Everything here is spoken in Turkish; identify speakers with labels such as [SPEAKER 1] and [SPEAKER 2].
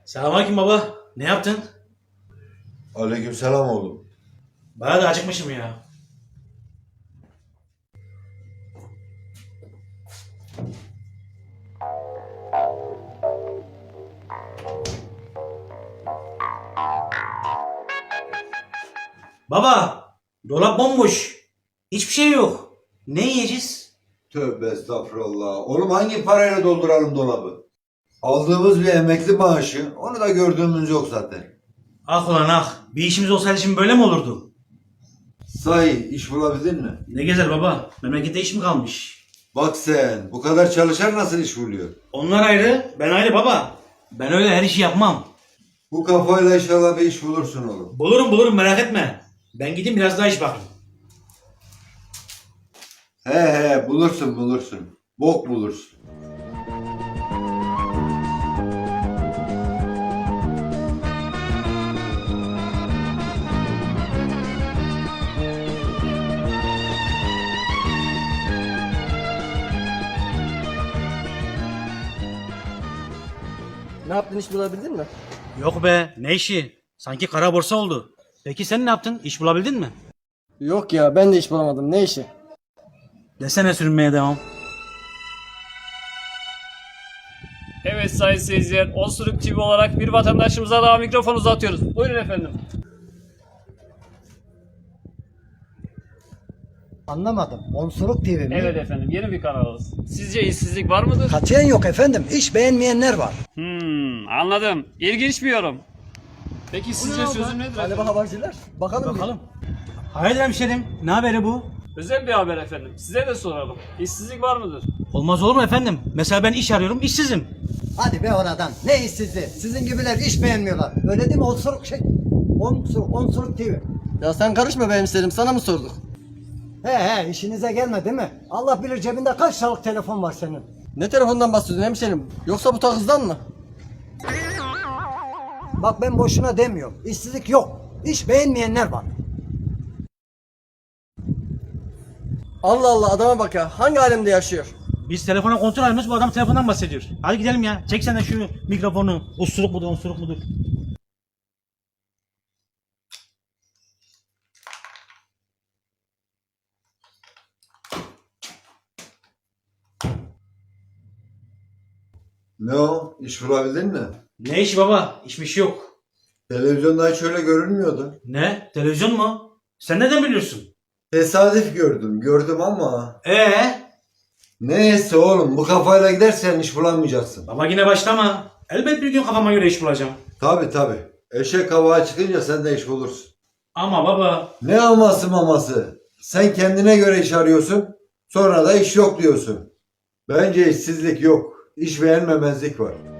[SPEAKER 1] Selamünaleyküm baba. Ne yaptın?
[SPEAKER 2] Aleykümselam oğlum.
[SPEAKER 1] Bayağı da acıkmışım ya. Baba, dolap bomboş. Hiçbir şey yok. Ne yiyeceğiz?
[SPEAKER 2] Tövbe estağfurullah. Oğlum hangi parayla dolduralım dolabı? Aldığımız bir emekli maaşı, onu da gördüğümüz yok zaten.
[SPEAKER 1] Ah ulan ah. Bir işimiz olsaydı şimdi böyle mi olurdu?
[SPEAKER 2] Sahi iş bulabildin mi?
[SPEAKER 1] Ne gezer baba. Memlekette iş mi kalmış?
[SPEAKER 2] Bak sen, bu kadar çalışan nasıl iş buluyor?
[SPEAKER 1] Onlar ayrı, ben ayrı baba. Ben öyle her işi yapmam.
[SPEAKER 2] Bu kafayla inşallah bir iş bulursun oğlum.
[SPEAKER 1] Bulurum merak etme. Ben gideyim biraz daha iş bakayım.
[SPEAKER 2] He bulursun. Bok bulursun.
[SPEAKER 3] Ne yaptın, iş bulabildin mi?
[SPEAKER 1] Yok be, ne işi? Sanki kara borsa oldu. Peki sen ne yaptın? İş bulabildin mi?
[SPEAKER 3] Yok ya, ben de iş bulamadım. Ne işi?
[SPEAKER 1] Desene sürünmeye devam.
[SPEAKER 4] Evet sayın seyirciler, Osuruk TV olarak bir vatandaşımıza daha mikrofon uzatıyoruz. Buyurun efendim.
[SPEAKER 5] Anlamadım. Onsuruk TV mi?
[SPEAKER 4] Evet efendim, yeni bir kanalımız. Sizce işsizlik var mıdır?
[SPEAKER 5] Katiyen yok efendim. İş beğenmeyenler var.
[SPEAKER 4] Anladım. İlginç bir yorum. Peki sizce çözüm nedir
[SPEAKER 5] Galiba
[SPEAKER 4] efendim?
[SPEAKER 5] haberciler. Bakalım.
[SPEAKER 1] Bakalım. Hayırdır hemşerim? Ne haberi bu?
[SPEAKER 4] Özel bir haber efendim. Size de soralım. İşsizlik var mıdır?
[SPEAKER 1] Olmaz olur mu efendim? Mesela ben iş arıyorum, işsizim.
[SPEAKER 5] Hadi be oradan. Ne işsizliği? Sizin gibiler iş beğenmiyorlar. Öyle değil mi? Onsuruk TV.
[SPEAKER 3] Ya sen karışma be hemşerim, sana mı sorduk?
[SPEAKER 5] He işinize gelme değil mi? Allah bilir cebinde kaç liralık telefon var senin.
[SPEAKER 3] Ne telefondan bahsediyorsun hemşerim? Yoksa bu takızdan mı?
[SPEAKER 5] Bak ben boşuna demiyorum. İşsizlik yok. İş beğenmeyenler var.
[SPEAKER 3] Allah Allah, adama bak ya. Hangi alemde yaşıyor?
[SPEAKER 1] Biz telefona kontrol alıyoruz, bu adam telefondan bahsediyor. Hadi gidelim ya. Çek sen de şu mikrofonu. Usuruk mudur, unsuruk mudur?
[SPEAKER 2] Ne o? İş bulabildin mi?
[SPEAKER 1] Ne işi baba? İşmiş yok.
[SPEAKER 2] Televizyonda hiç öyle görünmüyordu.
[SPEAKER 1] Ne? Televizyon mu? Sen neden biliyorsun?
[SPEAKER 2] Tesadüf gördüm ama.
[SPEAKER 1] Ee?
[SPEAKER 2] Neyse oğlum, bu kafayla gidersen iş bulamayacaksın.
[SPEAKER 1] Baba yine başlama. Elbet bir gün kafama göre iş bulacağım.
[SPEAKER 2] Tabi. Eşek hava çıkınca sen de iş bulursun.
[SPEAKER 1] Ama baba.
[SPEAKER 2] Ne aması maması? Sen kendine göre iş arıyorsun, sonra da iş yok diyorsun. Bence işsizlik yok, iş beğenmemezlik var.